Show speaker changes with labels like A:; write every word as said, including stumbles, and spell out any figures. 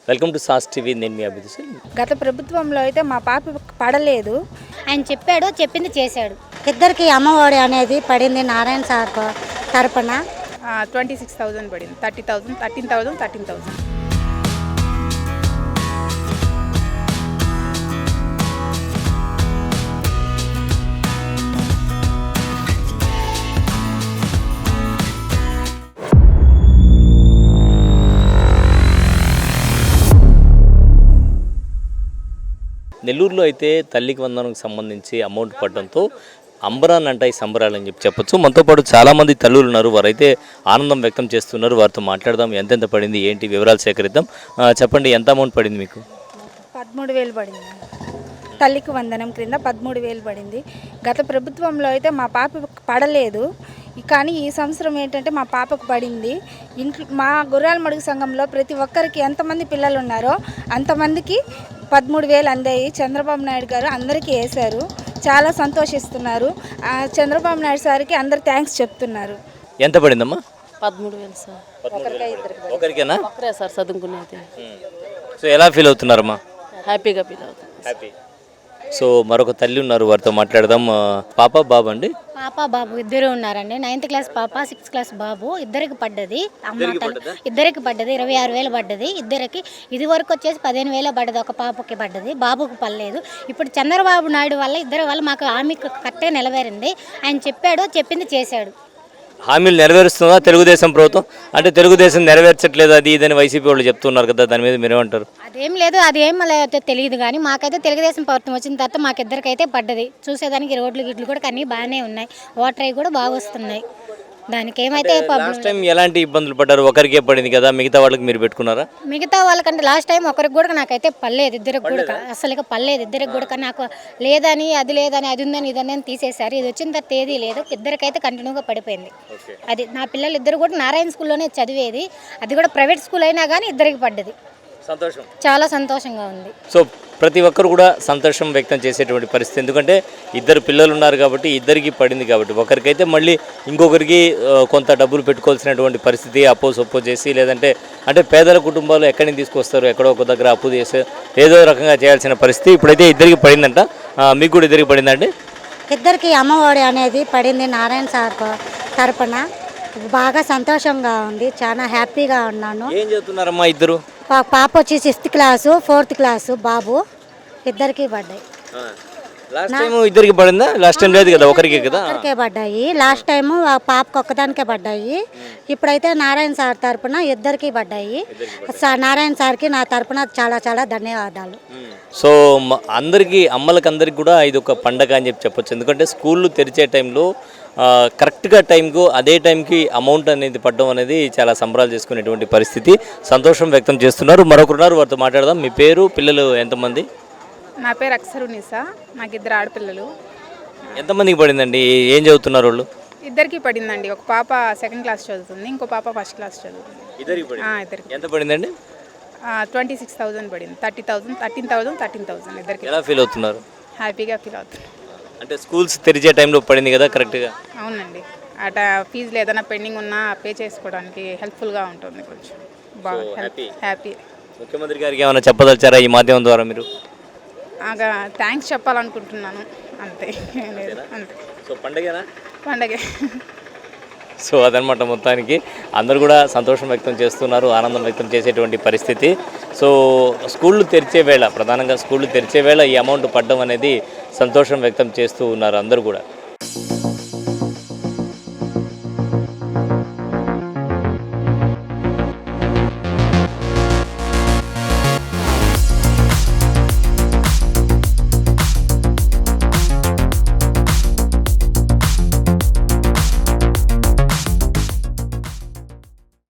A: Welcome to sauce TV. నేను మీ అభిజిత్.
B: గత ప్రభుత్వంలో అయితే మా పాప పడలేదు.
C: ఆయన చెప్పాడు, చెప్పింది చేశాడు.
D: ఇద్దరికి అమ్మఒడి అనేది పడింది నారాయణ సార్ తరపున.
B: ట్వంటీ సిక్స్ థౌజండ్ పడింది. Thirty thousand thirteen thousand thirteen thousand
A: నెల్లూరులో అయితే తల్లికి వందనకు సంబంధించి అమౌంట్ పడడంతో అంబరాన్ అంటాయి సంబరాలు అని చెప్పి చెప్పొచ్చు. మనతో పాటు చాలామంది తల్లులు ఉన్నారు, వారైతే ఆనందం వ్యక్తం చేస్తున్నారు. వారితో మాట్లాడదాం, ఎంతెంత పడింది ఏంటి వివరాలు సేకరిద్దాం. చెప్పండి, ఎంత అమౌంట్ పడింది మీకు?
B: పదమూడు వేలు పడింది. తల్లికి వందనం క్రింద పదమూడు వేలు పడింది. గత ప్రభుత్వంలో అయితే మా పాప పడలేదు, కానీ ఈ సంవత్సరం ఏంటంటే మా పాపకు పడింది. ఇంట్లో మా గుర్రాల మడుగు సంఘంలో ప్రతి ఒక్కరికి ఎంతమంది పిల్లలు ఉన్నారో అంతమందికి పదమూడు వేలు అందాయి. చంద్రబాబు నాయుడు గారు అందరికీ వేశారు, చాలా సంతోషిస్తున్నారు. చంద్రబాబు నాయుడు సార్కి అందరు థ్యాంక్స్ చెప్తున్నారు.
A: ఎంత పడిందమ్మా?
E: పదమూడు వేలు సార్.
A: ఒకరికేనా?
E: ఒకరే సార్ చదువుకునేది.
A: సో ఎలా ఫీల్ అవుతున్నారమ్మా?
E: హ్యాపీగా ఫీల్ అవుతుంది.
A: హ్యాపీ. సో మరొక తల్లి ఉన్నారు, వారితో మాట్లాడదాం. పాప బాబు అండి?
C: పాప బాబు ఇద్దరు ఉన్నారండి. నైన్త్ క్లాస్ పాప, సిక్స్త్ క్లాస్ బాబు. ఇద్దరికి పడ్డది. అమ్మ తల్లి ఇద్దరికి పడ్డది. ఇరవై ఆరు వేలు పడ్డది ఇద్దరికి. ఇది వరకు వచ్చేసి పదిహేను వేలు పడ్డది ఒక పాపకి పడ్డది, బాబుకి పడలేదు. ఇప్పుడు చంద్రబాబు నాయుడు వల్ల ఇద్దరు వల్ల మాకు హామీ కరెక్ట్గా నెరవేరింది. ఆయన చెప్పాడు, చెప్పింది చేశాడు.
A: హామీలు నెరవేరుస్తుందా తెలుగుదేశం ప్రభుత్వం? అంటే తెలుగుదేశం నెరవేర్చట్లేదు అది ఇదని వైసీపీ వాళ్ళు చెప్తున్నారు కదా, దాని మీద మీరేమంటారు? అదేం
C: లేదు, అది ఏం తెలియదు. కానీ మాకైతే తెలుగుదేశం ప్రభుత్వం వచ్చిన తర్వాత మాకిద్దరికైతే పడ్డది. చూసేదానికి రోడ్లు గిట్లు కూడా అన్నీ బాగానే ఉన్నాయి, వాటర్ అవి కూడా బాగా వస్తున్నాయి. దానికి ఏమైతే
A: లాస్ట్ టైం ఎలాంటి ఇబ్బందులు పడ్డారు? ఒకరికే పడింది కదా, మిగతా వాళ్ళకి మీరు పెట్టుకున్నారా?
C: మిగతా వాళ్ళకంటే లాస్ట్ టైం ఒకరికి కూడా నాకైతే పర్లేదు, ఇద్దరికి కూడా అసలు పర్లేదు. ఇద్దరికి కూడా నాకు లేదని అది లేదని అది ఉందని ఇదని తీసేశారు. ఇది వచ్చిన తర్వాత ఏది లేదు, ఇద్దరికైతే కంటిన్యూగా పడిపోయింది. అది నా పిల్లలు ఇద్దరు కూడా నారాయణ స్కూల్లోనే చదివేది, అది కూడా ప్రైవేట్ స్కూల్ అయినా కానీ ఇద్దరికి పడ్డది.
A: సంతోషం,
C: చాలా సంతోషంగా ఉంది.
A: సో ప్రతి ఒక్కరు కూడా సంతోషం వ్యక్తం చేసేటువంటి పరిస్థితి. ఎందుకంటే ఇద్దరు పిల్లలు ఉన్నారు కాబట్టి, ఇద్దరికి పడింది కాబట్టి. ఒకరికైతే మళ్ళీ ఇంకొకరికి కొంత డబ్బులు పెట్టుకోవాల్సినటువంటి పరిస్థితి, అప్పో సొప్పో చేసి, లేదంటే అంటే పేదల కుటుంబాలు ఎక్కడి నుంచి తీసుకొస్తారు, ఎక్కడో ఒక దగ్గర అప్పు చేసి ఏదో రకంగా చేయాల్సిన పరిస్థితి. ఇప్పుడైతే ఇద్దరికి పడిందంట. మీకు కూడా ఇద్దరికి పడిందండి?
D: ఇద్దరికి అమ్మఒడి అనేది పడింది నారాయణ సార్ తరపున. బాగా సంతోషంగా ఉంది, చాలా హ్యాపీగా ఉన్నాను.
A: ఏం చదువుతున్నారమ్మా ఇద్దరు?
D: పాప వచ్చి సిక్స్త్ క్లాసు, ఫోర్త్ క్లాసు బాబు. ఇద్దరికి పడ్డాయి.
A: లాస్ట్ టైం ఇద్దరికి పడిందా? లాస్ట్ టైం లేదు కదా, ఒకరికి కదా.
D: ఒకరికే పడ్డాయి లాస్ట్ టైము, పాపకు ఒక్కదానికే పడ్డాయి. ఇప్పుడైతే నారాయణ సార్ తరపున ఇద్దరికి పడ్డాయి. నారాయణ సార్కి నా తరపున చాలా చాలా ధన్యవాదాలు.
A: సో అందరికీ, అమ్మలకి అందరికి కూడా ఇది ఒక పండగ అని చెప్పి చెప్పొచ్చు. ఎందుకంటే స్కూళ్ళు తెరిచే టైంలో కరెక్ట్గా టైంకు అదే టైంకి అమౌంట్ అనేది పడడం అనేది చాలా సంబరాలు చేసుకునేటువంటి పరిస్థితి. సంతోషం వ్యక్తం చేస్తున్నారు. మరొకరున్నారు, వారితో మాట్లాడదాం. మీ పేరు, పిల్లలు ఎంతమంది?
B: నా పేరు అక్షరునిసా, నాకు ఇద్దరు ఆడపిల్లలు.
A: ఎంతమందికి పడిందండి? ఏం చదువుతున్నారు వాళ్ళు?
B: ఇద్దరికి పడిందండి. ఒక పాప సెకండ్ క్లాస్ చదువుతుంది, ఇంకో పాప ఫస్ట్ క్లాస్ చదువుతుంది. ఇద్దరికి
A: ఎంత పడిందండి?
B: ట్వంటీ సిక్స్ థౌజండ్ పడింది. Thirty thousand thirteen thousand thirteen thousand ఇద్దరికి.
A: ఎలా ఫీల్ అవుతున్నారు?
B: హ్యాపీగా ఫీల్ అవుతుంది.
A: అంటే స్కూల్స్ తెరిచే టైంలో పడింది కదా కరెక్ట్గా?
B: అవునండి. అట ఫీజులు ఏదైనా పెండింగ్ ఉన్నా పే చేసుకోవడానికి హెల్ప్ఫుల్గా ఉంటుంది. కొంచెం బాగా హ్యాపీ.
A: ముఖ్యమంత్రి గారికి ఏమైనా చెప్పదలిచారా ఈ మాధ్యమం ద్వారా మీరు?
B: థ్యాంక్స్ చెప్పాలనుకుంటున్నాను, అంతే. అంతే.
A: సో పండగేనా?
B: పండగే.
A: సో అదనమాట, మొత్తానికి అందరూ కూడా సంతోషం వ్యక్తం చేస్తున్నారు, ఆనందం వ్యక్తం చేసేటువంటి పరిస్థితి. సో స్కూళ్ళు తెరిచే వేళ, ప్రధానంగా స్కూళ్ళు తెరిచే వేళ ఈ అమౌంట్ పడడం అనేది సంతోషం వ్యక్తం చేస్తూ ఉన్నారు అందరూ కూడా.